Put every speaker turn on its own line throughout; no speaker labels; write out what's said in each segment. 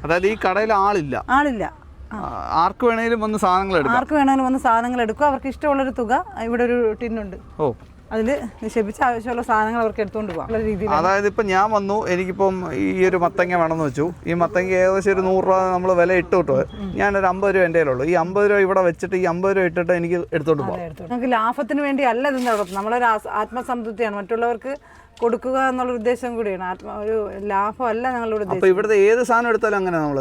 അതായത് ഈ കടയിൽ ആളില്ല. ആർക്ക് വേണേലും വന്ന് സാധനങ്ങൾ
എടുക്കും. അവർക്ക് ഇഷ്ടമുള്ളൊരു തുക ഇവിടെ ഒരു ടിന്നുണ്ട്. അതിൽ നിക്ഷേപിച്ച് ആവശ്യമുള്ള സാധനങ്ങൾ അവർക്ക് എടുത്തുകൊണ്ട് പോകാം.
അതായത് ഇപ്പം ഞാൻ വന്നു, എനിക്കിപ്പം ഈ ഒരു മത്തങ്ങ വേണമെന്ന് വെച്ചു. ഈ മത്തങ്ങ ഏകദേശം ഒരു 100 രൂപ നമ്മൾ വില ഇട്ട് കിട്ടും. ഞാനൊരു 50 രൂപ എൻ്റെ കയ്യിലുള്ളൂ. ഈ 50 രൂപ ഇവിടെ വെച്ചിട്ട് ഈ 50 രൂപ ഇട്ടിട്ട് എനിക്ക് എടുത്തോണ്ട് പോകാം.
നമുക്ക് ലാഭത്തിന് വേണ്ടി അല്ല ഇത് നടത്തുന്നത്. നമ്മളൊരു ആത്മസംതൃപ്തിയാണ്, മറ്റുള്ളവർക്ക് കൊടുക്കുക എന്നുള്ള ഉദ്ദേശം കൂടിയാണ്. ഒരു ലാഭമല്ല ഞങ്ങളുടെ ഉദ്ദേശം.
അപ്പോൾ ഇവിടുത്തെ ഏത് സാധനം എടുത്താലും അങ്ങനെ നമ്മൾ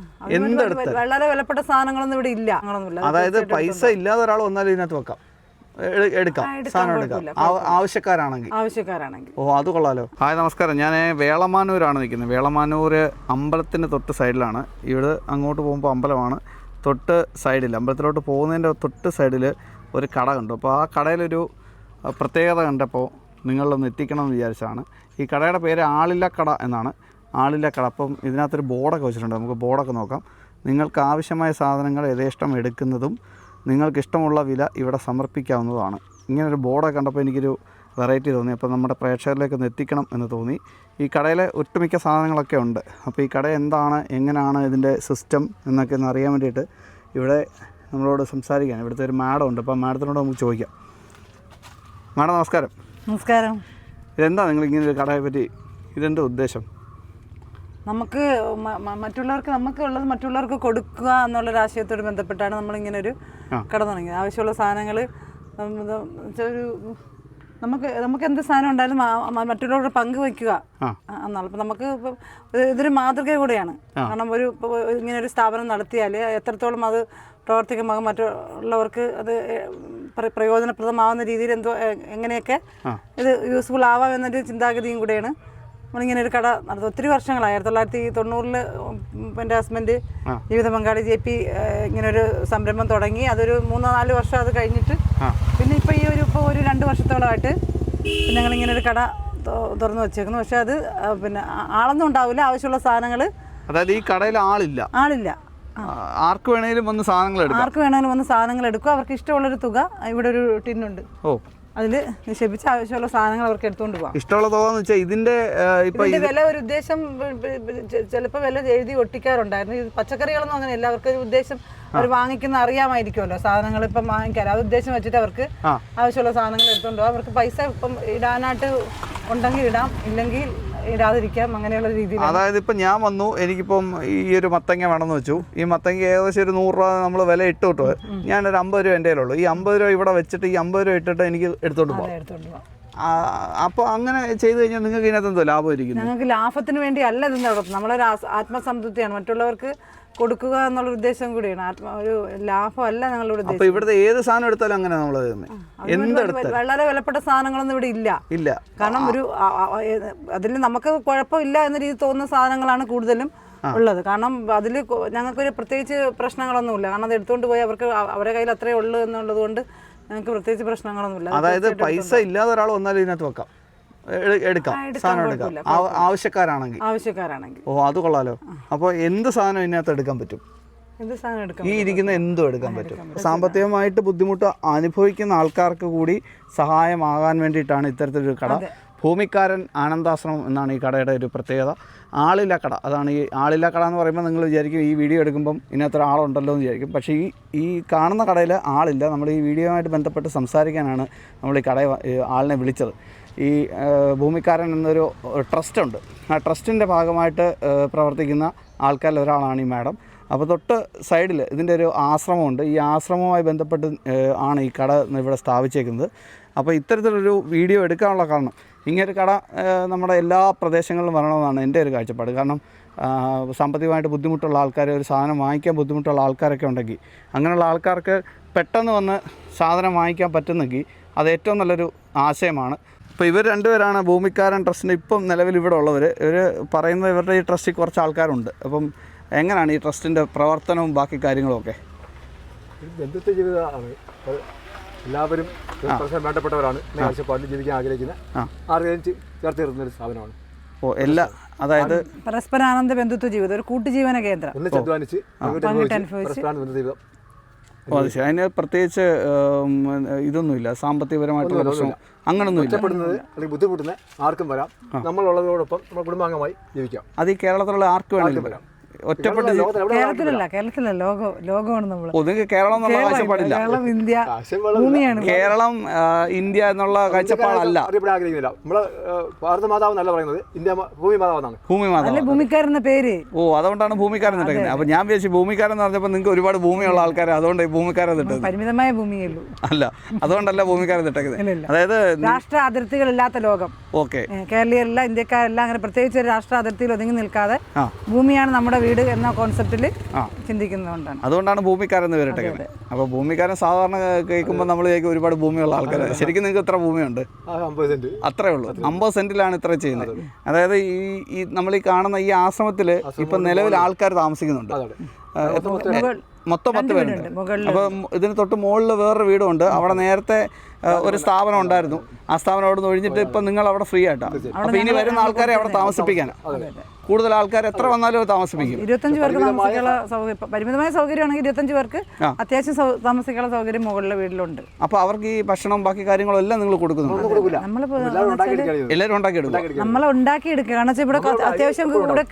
വളരെ വിലപ്പെട്ട സാധനങ്ങളൊന്നും ഇവിടെ ഇല്ല.
അതായത് പൈസ ഇല്ലാതെ ഒരാൾ വന്നാലും ഇതിനകത്ത് വെക്കാം, എടുക്കാം, സാധനം എടുക്കാം ആവശ്യക്കാരാണെങ്കിൽ. അത് കൊള്ളാലോ. ഹായ്, നമസ്കാരം. ഞാൻ വേളമാനൂരാണ് നിൽക്കുന്നത്. വേളമാനൂർ അമ്പലത്തിൻ്റെ തൊട്ട് സൈഡിലാണ്. ഇവിടെ അങ്ങോട്ട് പോകുമ്പോൾ അമ്പലമാണ്, തൊട്ട് സൈഡിൽ അമ്പലത്തിലോട്ട് പോകുന്നതിൻ്റെ തൊട്ട് സൈഡിൽ ഒരു കട കണ്ടു. അപ്പോൾ ആ കടയിലൊരു പ്രത്യേകത കണ്ടപ്പോൾ നിങ്ങളിലൊന്ന് എത്തിക്കണം എന്ന് വിചാരിച്ചതാണ്. ഈ കടയുടെ പേര് ആളില്ല കട എന്നാണ്. ആളില്ല കട. അപ്പം ഇതിനകത്തൊരു ബോർഡൊക്കെ വെച്ചിട്ടുണ്ട്. നമുക്ക് ബോർഡൊക്കെ നോക്കാം. നിങ്ങൾക്ക് ആവശ്യമായ സാധനങ്ങൾ യഥേഷ്ടം എടുക്കുന്നതും നിങ്ങൾക്കിഷ്ടമുള്ള വില ഇവിടെ സമർപ്പിക്കാവുന്നതാണ്. ഇങ്ങനൊരു ബോർഡൊക്കെ കണ്ടപ്പോൾ എനിക്കൊരു വെറൈറ്റി തോന്നി. അപ്പോൾ നമ്മുടെ പ്രേക്ഷകരിലേക്ക് ഒന്ന് എത്തിക്കണം എന്ന് തോന്നി. ഈ കടയിലെ ഒട്ടുമിക്ക സാധനങ്ങളൊക്കെ ഉണ്ട്. അപ്പോൾ ഈ കട എന്താണ്, എങ്ങനെയാണ് ഇതിൻ്റെ സിസ്റ്റം എന്നൊക്കെ ഒന്ന് അറിയാൻ വേണ്ടിയിട്ട് ഇവിടെ നമ്മളോട് സംസാരിക്കാൻ ഇവിടുത്തെ ഒരു മാഡം ഉണ്ട്. അപ്പോൾ മാഡത്തിനോട് നമുക്ക് ചോദിക്കാം. മാഡം നമസ്കാരം.
നമസ്കാരം.
ഇതെന്താ നിങ്ങൾ ഇങ്ങനൊരു കടയെ പറ്റി, ഇതെന്താ ഉദ്ദേശം?
നമുക്ക് മറ്റുള്ളവർക്ക് നമുക്കുള്ളത് മറ്റുള്ളവർക്ക് കൊടുക്കുക എന്നുള്ളൊരു ആശയത്തോട് ബന്ധപ്പെട്ടാണ് നമ്മളിങ്ങനെ ഒരു കട തുടങ്ങിയത്. ആവശ്യമുള്ള സാധനങ്ങൾ ഒരു നമുക്ക് എന്ത് സാധനം ഉണ്ടായാലും മറ്റുള്ളവരുടെ പങ്കുവയ്ക്കുക എന്നാണ്. അപ്പം നമുക്ക് ഇപ്പം ഇതൊരു മാതൃക കൂടെയാണ്. കാരണം ഇങ്ങനെ ഒരു സ്ഥാപനം നടത്തിയാൽ എത്രത്തോളം അത് പ്രവർത്തിക്കുമ്പോൾ മറ്റുള്ളവർക്ക് അത് പ്രയോജനപ്രദമാവുന്ന രീതിയിൽ എങ്ങനെയൊക്കെ ഇത് യൂസ്ഫുൾ ആവാം എന്നൊരു ചിന്താഗതിയും കൂടെയാണ് നമ്മളിങ്ങനെ ഒരു കട നടത്തും. ഒത്തിരി വർഷങ്ങളായി. 1990 എൻ്റെ ഹസ്ബൻഡ് ജീവിത പങ്കാളി JP ഇങ്ങനൊരു സംരംഭം തുടങ്ങി. അതൊരു 3-4 വർഷം അത് കഴിഞ്ഞിട്ട് പിന്നെ ഇപ്പോൾ ഒരു 2 വർഷത്തോളമായിട്ട് ഞങ്ങളിങ്ങനെ ഒരു കട തുറന്നു വെച്ചേക്കുന്നു. പക്ഷെ അത് പിന്നെ ആളൊന്നും ഉണ്ടാവില്ല. ആവശ്യമുള്ള സാധനങ്ങൾ,
അതായത് ഈ കടയിൽ ആളില്ല. ആർക്ക് വേണേലും വന്ന് സാധനങ്ങൾ എടുക്കും. അവർക്ക് ഇഷ്ടമുള്ളൊരു തുക ഇവിടെ ഒരു ടിന്നുണ്ട്. അതിൽ നിക്ഷേപിച്ച് ആവശ്യമുള്ള സാധനങ്ങൾ അവർക്ക് എടുത്തുകൊണ്ട് പോകാം. ഇഷ്ടമുള്ള തുക എന്ന് വെച്ചാൽ ഇതിന്റെ
വില ഒരു ഉദ്ദേശം ചിലപ്പോൾ വില എഴുതി ഒട്ടിക്കാറുണ്ടായിരുന്നു. ഇത് പച്ചക്കറികളൊന്നും അങ്ങനെ എല്ലാവർക്കും ഒരു ഉദ്ദേശം അവർ വാങ്ങിക്കുന്ന അറിയാമായിരിക്കുമല്ലോ. സാധനങ്ങൾ ഇപ്പം വാങ്ങിക്കാൻ അത് ഉദ്ദേശം വെച്ചിട്ട് അവർക്ക് ആവശ്യമുള്ള സാധനങ്ങൾ എടുത്തുകൊണ്ട് പോകാം. അവർക്ക് പൈസ ഇപ്പം ഇടാനായിട്ട് ഉണ്ടെങ്കിൽ ഇടാം, ഇല്ലെങ്കിൽ ഇടാതിരിക്കാം, അങ്ങനെയുള്ള രീതിയിൽ.
അതായത് ഇപ്പം ഞാൻ വന്നു, എനിക്കിപ്പം ഈ ഒരു മത്തങ്ങ വേണമെന്ന് വെച്ചു. ഈ മത്തങ്ങ ഏകദേശം ഒരു 100 രൂപ നമ്മൾ വില ഇട്ട് കിട്ടും. ഞാനൊരു 50 രൂപ എൻ്റെ കയ്യിലുള്ളൂ. ഈ 50 രൂപ ഇവിടെ വെച്ചിട്ട് ഈ 50 രൂപ ഇട്ടിട്ട് എനിക്ക് എടുത്തോണ്ട് പോകാം. അപ്പോൾ അങ്ങനെ ചെയ്തു കഴിഞ്ഞാൽ നിങ്ങൾക്ക് ഇതിനകത്ത് എന്തോ ലാഭമായിരിക്കും?
ഞങ്ങൾക്ക് ലാഭത്തിന് വേണ്ടി അല്ല ഇത് നടത്തുന്നത്. നമ്മളൊരു ആത്മസംതൃപ്തിയാണ്, മറ്റുള്ളവർക്ക് കൊടുക്കുക എന്നുള്ള ഉദ്ദേശം കൂടിയാണ്. ഒരു ലാഭമല്ല ഞങ്ങളുടെ ഉദ്ദേശം.
അപ്പോൾ ഇവിടുത്തെ ഏത് സാധനം എടുത്താലും അങ്ങനെ നമ്മൾ
വളരെ വിലപ്പെട്ട സാധനങ്ങളൊന്നും ഇവിടെ ഇല്ല. കാരണം അതിൽ നമുക്ക് കുഴപ്പമില്ല എന്ന രീതി തോന്നുന്ന സാധനങ്ങളാണ് കൂടുതലും ഉള്ളത്. കാരണം അതിൽ ഞങ്ങൾക്കൊരു പ്രത്യേകിച്ച് പ്രശ്നങ്ങളൊന്നുമില്ല. കാരണം അത് എടുത്തുകൊണ്ട് പോയി അവർക്ക് അവരുടെ കയ്യിൽ അത്രയേ ഉള്ളൂ എന്നുള്ളത് കൊണ്ട് ഞങ്ങൾക്ക് പ്രത്യേകിച്ച് പ്രശ്നങ്ങളൊന്നുമില്ല.
അതായത് പൈസ ഇല്ലാതെ ഒരാൾ വന്നാലും ഇതിനകത്ത് വെക്കാം, എടുക്കാം, സാധനം എടുക്കാം ആവശ്യക്കാരാണെങ്കിൽ. അത് കൊള്ളാലോ. അപ്പോൾ എന്ത് സാധനം ഇതിനകത്ത് എടുക്കാൻ പറ്റും? ഈ ഇരിക്കുന്ന എന്തും എടുക്കാൻ പറ്റും. സാമ്പത്തികമായിട്ട് ബുദ്ധിമുട്ട് അനുഭവിക്കുന്ന ആൾക്കാർക്ക് കൂടി സഹായമാകാൻ വേണ്ടിയിട്ടാണ് ഇത്തരത്തിലൊരു കട. ഭൂമിക്കാരൻ ആനന്ദാശ്രമം എന്നാണ് ഈ കടയുടെ ഒരു പ്രത്യേകത. ആളില്ല കട, അതാണ് ഈ ആളില്ല കട എന്ന് പറയുമ്പോൾ നിങ്ങൾ വിചാരിക്കും ഈ വീഡിയോ എടുക്കുമ്പം ഇതിനകത്തൊരു ആളുണ്ടല്ലോ എന്ന് വിചാരിക്കും. പക്ഷേ ഈ കാണുന്ന കടയിൽ ആളില്ല. നമ്മൾ ഈ വീഡിയോയുമായിട്ട് ബന്ധപ്പെട്ട് സംസാരിക്കാനാണ് നമ്മൾ ഈ ആളിനെ വിളിച്ചത്. ഈ ഭൂമിക്കാരൻ എന്നൊരു ട്രസ്റ്റുണ്ട്. ആ ട്രസ്റ്റിൻ്റെ ഭാഗമായിട്ട് പ്രവർത്തിക്കുന്ന ആൾക്കാരിൽ ഒരാളാണ് ഈ മാഡം. അപ്പോൾ തൊട്ട് സൈഡിൽ ഇതിൻ്റെ ഒരു ആശ്രമമുണ്ട്. ഈ ആശ്രമവുമായി ബന്ധപ്പെട്ട് ആണ് ഈ കട ഇവിടെ സ്ഥാപിച്ചേക്കുന്നത്. അപ്പോൾ ഇത്തരത്തിലൊരു വീഡിയോ എടുക്കാനുള്ള കാരണം, ഇങ്ങനൊരു കട നമ്മുടെ എല്ലാ പ്രദേശങ്ങളിലും വരണമെന്നാണ് എൻ്റെ ഒരു കാഴ്ചപ്പാട്. കാരണം സാമ്പത്തികമായിട്ട് ബുദ്ധിമുട്ടുള്ള ആൾക്കാർ, ഒരു സാധനം വാങ്ങിക്കാൻ ബുദ്ധിമുട്ടുള്ള ആൾക്കാരൊക്കെ ഉണ്ടെങ്കിൽ, അങ്ങനെയുള്ള ആൾക്കാർക്ക് പെട്ടെന്ന് വന്ന് സാധനം വാങ്ങിക്കാൻ പറ്റുന്നെങ്കിൽ അത് ഏറ്റവും നല്ലൊരു ആശയമാണ്. ഇപ്പോൾ ഇവർ രണ്ടുപേരാണ് ഭൂമിക്കാരൻ ട്രസ്റ്റിൻ്റെ ഇപ്പം നിലവിൽ ഇവിടെ ഉള്ളവർ. ഇവർ പറയുന്നത് ഇവരുടെ ഈ ട്രസ്റ്റിൽ കുറച്ച് ആൾക്കാരുണ്ട്. അപ്പം എങ്ങനെയാണ് ഈ ട്രസ്റ്റിൻ്റെ പ്രവർത്തനവും ബാക്കി കാര്യങ്ങളുമൊക്കെ?
ബന്ധുത്വ ജീവിതമാണ്. എല്ലാവരും വേണ്ടപ്പെട്ടവരാണ്. ആവശ്യപ്പാടിൽ ജീവിക്കാൻ ആഗ്രഹിക്കുന്ന ആർക്കും ചേർത്ത് നിർത്തുന്ന ഒരു സ്ഥാപനമാണ്.
അതായത്
പരസ്പരാനന്ദ ബന്ധുത്വ ജീവിതം, ഒരു കൂട്ടുജീവന കേന്ദ്രം.
അതിന് പ്രത്യേകിച്ച് ഇതൊന്നുമില്ല, സാമ്പത്തികപരമായിട്ടുള്ള പ്രശ്നം അങ്ങനൊന്നുമില്ല.
ബുദ്ധിമുട്ടുന്ന ആർക്കും വരാം. നമ്മളുള്ളതോടൊപ്പം നമ്മൾ കുടുംബാംഗമായി ജീവിക്കാം.
അത് ഈ കേരളത്തിലുള്ള ആർക്ക് വേണമെങ്കിലും വരാം. ഒറ്റപ്പെട്ട്
കേരളത്തിലല്ല ലോകമാണ് നമ്മൾ.
നിങ്ങൾക്ക് കേരളം എന്നുള്ള കാഴ്ചപ്പാടില്ല.
കേരളം ഇന്ത്യ ഭൂമിയാണ്.
കേരളം ഇന്ത്യ എന്നുള്ള കാഴ്ചപ്പാടല്ല.
ആഗ്രഹിക്കുന്നില്ല. നമ്മള് ഭാരത മാതാവ് എന്നല്ല പറയുന്നത്, ഇന്ത്യ ഭൂമി മാതാവെന്നാണ്.
ഭൂമി മാതാവ്
ഭൂമിക്കാരെന്ന പേര്.
ഓ, അതുകൊണ്ടാണ് ഭൂമിക്കാരൻ ഇട്ടേക്കുന്നത്. അപ്പൊ ഞാൻ വിചാരിച്ചു ഭൂമിക്കാരൻ എന്ന് പറഞ്ഞപ്പോൾ നിങ്ങൾക്ക് ഒരുപാട് ഭൂമിയുള്ള ആൾക്കാരെ അതുകൊണ്ട് ഭൂമിക്കാരൻ ഇട്ടത്.
പരിമിതമായ ഭൂമിയേ അല്ല,
അതുകൊണ്ടല്ല ഭൂമിക്കാരൻ ഇട്ടേക്കുന്നത്. അതായത്
രാഷ്ട്ര അതിർത്തികളില്ലാത്ത ലോകം.
ഓക്കെ,
കേരളീയരല്ല, ഇന്ത്യക്കാരല്ല, അങ്ങനെ പ്രത്യേകിച്ച് ഒരു രാഷ്ട്ര അതിർത്തിയിൽ ഒതുങ്ങി നിൽക്കാതെ ഭൂമിയാണ് നമ്മുടെ വീട് എന്ന കോൺസെപ്റ്റിൽ ചിന്തിക്കുന്നതുകൊണ്ടാണ്.
അതുകൊണ്ടാണ് ഭൂമിക്കാരൻ എന്ന് പേരിട്ടേക്കുന്നത്. അപ്പോൾ ഭൂമിക്കാരൻ സാധാരണ കേൾക്കുമ്പോൾ നമ്മൾ ഒരുപാട് ഭൂമിയുള്ള ആൾക്കാർ. ശരിക്കും നിങ്ങൾക്ക് എത്ര ഭൂമിയുണ്ട്?
50 സെന്റ്.
അത്രേ ഉള്ളൂ. 50 സെന്റിലാണ് ഇത്ര ചെയ്യുന്നത്. അതായത് ഈ നമ്മൾ ഈ കാണുന്ന ഈ ആശ്രമത്തിൽ ഇപ്പം നിലവിൽ ആൾക്കാർ താമസിക്കുന്നുണ്ട്. മൊത്തം 10 പേരുണ്ട്. അപ്പം ഇതിന് തൊട്ട് മുകളിൽ വേറൊരു വീടുണ്ട്. അവിടെ നേരത്തെ ഒരു സ്ഥാപനം ഉണ്ടായിരുന്നു. ആ സ്ഥാപനം അവിടെ നിന്ന് ഒഴിഞ്ഞിട്ട് ഇപ്പം നിങ്ങൾ അവിടെ ഫ്രീ ആയിട്ടാണ്. അപ്പം ഇനി വരുന്ന ആൾക്കാരെ അവിടെ താമസിപ്പിക്കാനാണ്. കൂടുതൽ ആൾക്കാർ എത്ര വന്നാലും താമസിപ്പിക്കും.
25 പേർക്ക് താമസിക്കാനുള്ള സൗകര്യം, പരിമിതമായ സൗകര്യമാണെങ്കിൽ 25 പേർക്ക് അത്യാവശ്യം താമസിക്കാനുള്ള സൗകര്യം മുകളിലെ വീട്ടിലുണ്ട്.
അപ്പോൾ അവർക്ക് ഈ ഭക്ഷണം ബാക്കി കാര്യങ്ങളും എല്ലാം നിങ്ങൾ കൊടുക്കുന്നുണ്ട്? എല്ലാവരും ഉണ്ടാക്കിയെടുക്കും.
നമ്മൾ ഉണ്ടാക്കിയെടുക്കുക. കാരണം വെച്ചാൽ ഇവിടെ അത്യാവശ്യം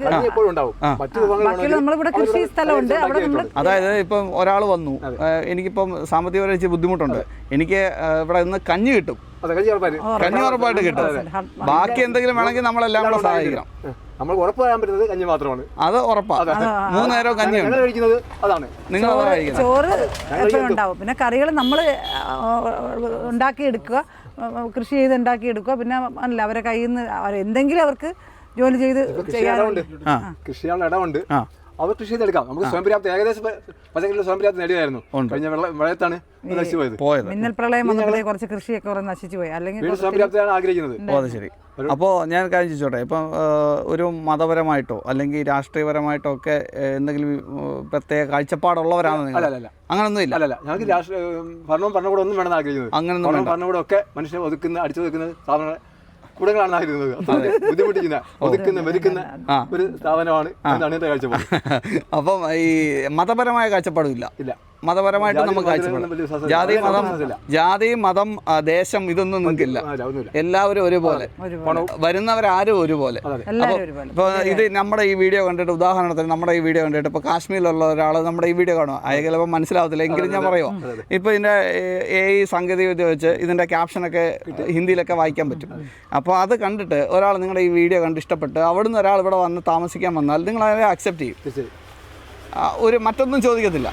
ബാക്കിയുള്ള നമ്മളിവിടെ കൃഷി സ്ഥലമുണ്ട്. അവിടെ നമ്മൾ
അതായത് ഇപ്പം ഒരാൾ വന്നു, എനിക്കിപ്പം സാമ്പത്തികപരമായി ബുദ്ധിമുട്ടുണ്ട്, എനിക്ക് ഇവിടെ നിന്ന് കഞ്ഞി കിട്ടും, കഞ്ഞി ഉറപ്പായിട്ട് കിട്ടും. ബാക്കി എന്തെങ്കിലും വേണമെങ്കിൽ നമ്മളെല്ലാം കൂടെ സഹായിക്കണം.
നമ്മൾ ഉറപ്പ് പറയാൻ പറ്റുന്നത് കഞ്ഞി മാത്രമാണ്.
അത് ഉറപ്പാണ്. 3 നേരം കഞ്ഞി
കഴിക്കുന്നത് അതാണ്.
നിങ്ങൾ
ചോറ് എപ്പോഴും ഉണ്ടാവും. പിന്നെ കറികൾ നമ്മൾ ഉണ്ടാക്കിയെടുക്കുക, കൃഷി ചെയ്ത് ഉണ്ടാക്കിയെടുക്കുക. പിന്നെ അല്ല, അവരെ കയ്യിൽ നിന്ന് എന്തെങ്കിലും അവർക്ക് ജോലി ചെയ്ത് ചെയ്യാറുണ്ട്.
കൃഷിയുള്ള ഇടമുണ്ട്, അവർ കൃഷി ചെയ്തെടുക്കാം. നമുക്ക് സ്വയം പര്യാപ്തി, ഏകദേശം പച്ചക്കറിയിൽ സ്വയം പര്യാപ്തി നേടിയായിരുന്നു. കഴിഞ്ഞ വെള്ളത്താണ് നശിച്ചുപോയത്.
മിന്നൽ പ്രളയം വന്നപ്പോഴേ കുറച്ച് കൃഷിയൊക്കെ കുറെ നശിച്ചു പോയി. അല്ലെങ്കിൽ
സ്വയം പര്യാപ്തിയാണ് ആഗ്രഹിക്കുന്നത്.
അത് ശരി. അപ്പോൾ ഞാൻ കാര്യം ചോദിച്ചോട്ടെ, ഇപ്പം ഒരു മതപരമായിട്ടോ അല്ലെങ്കിൽ രാഷ്ട്രീയപരമായിട്ടോ ഒക്കെ എന്തെങ്കിലും പ്രത്യേക കാഴ്ചപ്പാടുള്ളവരാണ് നിങ്ങൾ? അങ്ങനൊന്നും ഇല്ല.
അല്ല, ഞങ്ങൾക്ക് ഭരണവും ഭരണകൂടം ഒന്നും വേണമെന്ന് ആഗ്രഹിക്കുന്നത്.
അങ്ങനൊന്നും
ഭരണകൂടം ഒക്കെ മനുഷ്യനെ അടിച്ചു ഒതുക്കുന്ന സ്ഥാപനങ്ങൾ കൂടങ്ങളാണ് ആയിരുന്നത്. ബുദ്ധിമുട്ടിക്കുന്ന വെറുക്കുന്ന ഒരു സ്ഥാപനമാണ് എന്നാണ് എന്റെ കാഴ്ചപ്പാട്.
അപ്പം ഈ മതപരമായ കാഴ്ചപ്പാടും ഇല്ല. മതപരമായിട്ട് നമുക്ക് കാഴ്ചപ്പാട്, ജാതി മതം ദേശം ഇതൊന്നും നിങ്ങൾക്കില്ല. എല്ലാവരും ഒരുപോലെ, വരുന്നവരാരും ഒരുപോലെ. ഇപ്പോൾ ഇത് നമ്മുടെ ഈ വീഡിയോ കണ്ടിട്ട്, ഉദാഹരണത്തിന് നമ്മുടെ ഈ വീഡിയോ കണ്ടിട്ട് ഇപ്പോൾ കാശ്മീരിലുള്ള ഒരാൾ നമ്മുടെ ഈ വീഡിയോ കാണുക, അയാൾ ചിലപ്പോൾ മനസ്സിലാവത്തില്ല, എങ്കിലും ഞാൻ പറയുമോ, ഇപ്പോൾ ഇതിൻ്റെ ഈ സാങ്കേതികവിദ്യ വെച്ച് ഇതിൻ്റെ ക്യാപ്ഷനൊക്കെ ഹിന്ദിയിലൊക്കെ വായിക്കാൻ പറ്റും. അപ്പോൾ അത് കണ്ടിട്ട് ഒരാൾ നിങ്ങളുടെ ഈ വീഡിയോ കണ്ട് ഇഷ്ടപ്പെട്ട് അവിടുന്ന് ഒരാൾ ഇവിടെ വന്ന് താമസിക്കാൻ വന്നാൽ നിങ്ങൾ അതിനെ അക്സെപ്റ്റ് ചെയ്യും. ഒരു മറ്റൊന്നും ചോദിക്കത്തില്ല.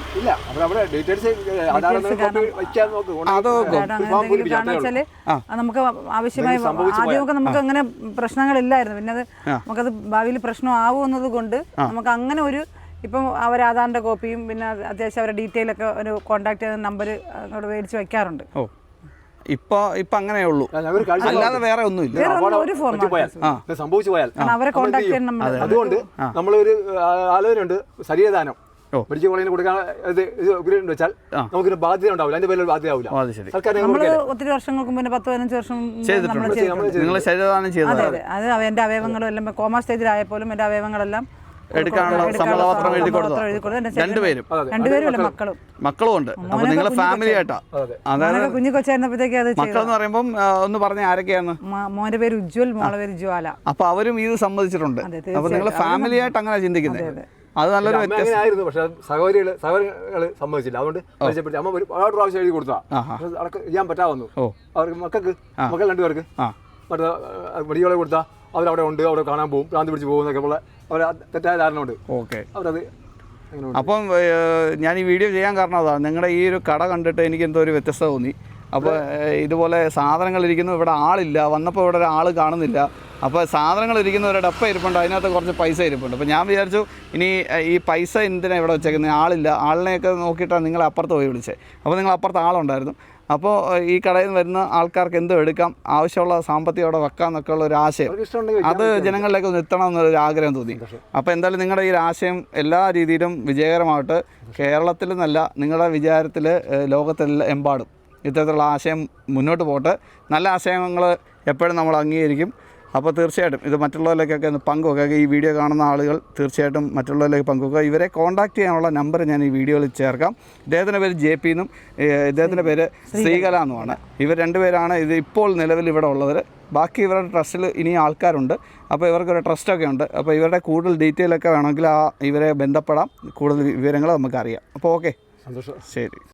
നമുക്ക് ആവശ്യമായ ആദ്യമൊക്കെ നമുക്ക് അങ്ങനെ പ്രശ്നങ്ങളില്ലായിരുന്നു. പിന്നെ അത് നമുക്കത് ഭാവിയിൽ പ്രശ്നം ആവുമെന്നത് കൊണ്ട് നമുക്ക് അങ്ങനെ ഒരു ഇപ്പം അവർ ആധാറിന്റെ കോപ്പിയും പിന്നെ അത്യാവശ്യം അവരുടെ ഡീറ്റെയിൽ ഒക്കെ ഒരു കോൺടാക്ട് ചെയ്യുന്ന നമ്പർ അങ്ങോട്ട് മേടിച്ച് വെക്കാറുണ്ട്.
ഇപ്പൊ അങ്ങനെ ഉള്ളൂ, അല്ലാതെ വേറെ ഒന്നുമില്ല.
സംഭവിച്ചു പോയാൽ
അവരെ കോൺടാക്ട് ചെയ്യാൻ നമ്മൾ,
അതുകൊണ്ട് നമ്മളൊരു ആലോചനയുണ്ട്. ശരീരദാനം മെഡിക്കൽ കോളേജിന് കൊടുക്കാൻ വെച്ചാൽ നമുക്കൊരു ബാധ്യത ഉണ്ടാവില്ല, അതിന്റെ പേരിൽ ബാധ്യത ആവില്ല.
നമ്മൾ ഒത്തിരി വർഷങ്ങൾക്ക് മുന്നേ 10-15 വർഷം
ചെയ്തിട്ടുണ്ട്.
അത് എന്റെ അവയവങ്ങളും എല്ലാം കോമാ സ്റ്റേജിലായപ്പോലും എന്റെ അവയവങ്ങളെല്ലാം
എടുക്കാനുള്ള സമ്മതപത്രം എഴുതി കൊടുത്തു. രണ്ടുപേരും മക്കളും ഉണ്ട്. അപ്പൊ നിങ്ങൾ ഫാമിലി ആയിട്ടാ?
അതായത് കുഞ്ഞു കൊച്ചായിരുന്നപ്പോഴത്തേക്ക് അത്
മക്കൾ എന്ന് പറയുമ്പോൾ ഒന്ന് പറഞ്ഞ ആരൊക്കെയാണ്?
മോന്റെ പേര് ഉജ്വൽ, മോളെ പേര് ജ്വാല.
അപ്പൊ അവരും ഇത് സമ്മതിച്ചിട്ടുണ്ട്. അപ്പൊ നിങ്ങൾ ഫാമിലി ആയിട്ട് അങ്ങനെ ചിന്തിക്കുന്നത് അത് നല്ലൊരു
വ്യത്യാസമായിരുന്നു. പക്ഷെ സഹോദരികള് സമ്മതിച്ചില്ല. അതുകൊണ്ട് അമ്മ ഒരുപാട് പ്രാവശ്യം എഴുതി കൊടുത്താ ചെയ്യാൻ പറ്റാവുന്നു. അവർക്ക് മക്കൾ 2 പേർക്ക് മറ്റേ മെഡിക്കൽ കോളേജ് കൊടുത്താൽ അവരവിടെ ഉണ്ട്, അവിടെ കാണാൻ പോകും, ഭ്രാന്തി പിടിച്ച് പോകുന്നൊക്കെ ഉള്ള അവർ തെറ്റായ ധാരണ ഉണ്ട്.
ഓക്കെ,
അവരത്.
അപ്പം ഞാൻ ഈ വീഡിയോ ചെയ്യാൻ കാരണം അതാണ്, നിങ്ങളുടെ ഈ ഒരു കട കണ്ടിട്ട് എനിക്ക് എന്തോ ഒരു വ്യത്യസ്തത തോന്നി. അപ്പോൾ ഇതുപോലെ സാധനങ്ങൾ ഇരിക്കുന്നു, ഇവിടെ ആളില്ല, വന്നപ്പോൾ ഇവിടെ ഒരാൾ കാണുന്നില്ല. അപ്പോൾ സാധനങ്ങൾ ഇരിക്കുന്ന ഒരു ഡപ്പ ഇരിപ്പുണ്ട്, അതിനകത്ത് കുറച്ച് പൈസ ഇരിപ്പുണ്ട്. അപ്പോൾ ഞാൻ വിചാരിച്ചു ഇനി ഈ പൈസ എന്തിനാണ് ഇവിടെ വെച്ചേക്കുന്നത്, ആളില്ല, ആളിനെയൊക്കെ നോക്കിയിട്ടാണ് നിങ്ങളെ അപ്പുറത്ത് പോയി വിളിച്ചത്. അപ്പോൾ നിങ്ങൾ അപ്പുറത്ത് ആളുണ്ടായിരുന്നു. അപ്പോൾ ഈ കടയിൽ നിന്ന് വരുന്ന ആൾക്കാർക്ക് എന്തോ എടുക്കാം, ആവശ്യമുള്ള സാമ്പത്തികം അവിടെ വെക്കാം എന്നൊക്കെ ഉള്ള ഒരു ആശയം, അത് ജനങ്ങളിലേക്ക് ഒന്ന് എത്തണം എന്നുള്ളൊരു ആഗ്രഹം തോന്നി. അപ്പോൾ എന്തായാലും നിങ്ങളുടെ ഈ ആശയം എല്ലാ രീതിയിലും വിജയകരമായിട്ട്, കേരളത്തിൽ നിന്നല്ല നിങ്ങളുടെ വിചാരത്തിൽ ലോകത്തെമ്പാടും ഇത്തരത്തിലുള്ള ആശയം മുന്നോട്ട് പോട്ടെ. നല്ല ആശയങ്ങൾ എപ്പോഴും നമ്മൾ അംഗീകരിക്കും. അപ്പോൾ തീർച്ചയായിട്ടും ഇത് മറ്റുള്ളവരിലേക്കൊക്കെ ഒന്ന് പങ്കുവെക്കുക. ഈ വീഡിയോ കാണുന്ന ആളുകൾ തീർച്ചയായിട്ടും മറ്റുള്ളവരിലേക്ക് പങ്കുവെക്കുക. ഇവരെ കോൺടാക്ട് ചെയ്യാനുള്ള നമ്പർ ഞാൻ ഈ വീഡിയോയിൽ ചേർക്കാം. ഇദ്ദേഹത്തിൻ്റെ പേര് JP എന്നും ഇദ്ദേഹത്തിൻ്റെ പേര് ശ്രീകല എന്നുമാണ്. ഇവർ രണ്ടുപേരാണ് ഇത് ഇപ്പോൾ നിലവിൽ ഇവിടെ ഉള്ളവർ. ബാക്കി ഇവരുടെ ട്രസ്റ്റിൽ ഇനി ആൾക്കാരുണ്ട്. അപ്പോൾ ഇവർക്കൊരു ട്രസ്റ്റൊക്കെ ഉണ്ട്. അപ്പോൾ ഇവരുടെ കൂടുതൽ ഡീറ്റെയിലൊക്കെ വേണമെങ്കിൽ ഇവരെ ബന്ധപ്പെടാം. കൂടുതൽ വിവരങ്ങൾ നമുക്കറിയാം. അപ്പോൾ ഓക്കെ,
സന്തോഷം.
ശരി.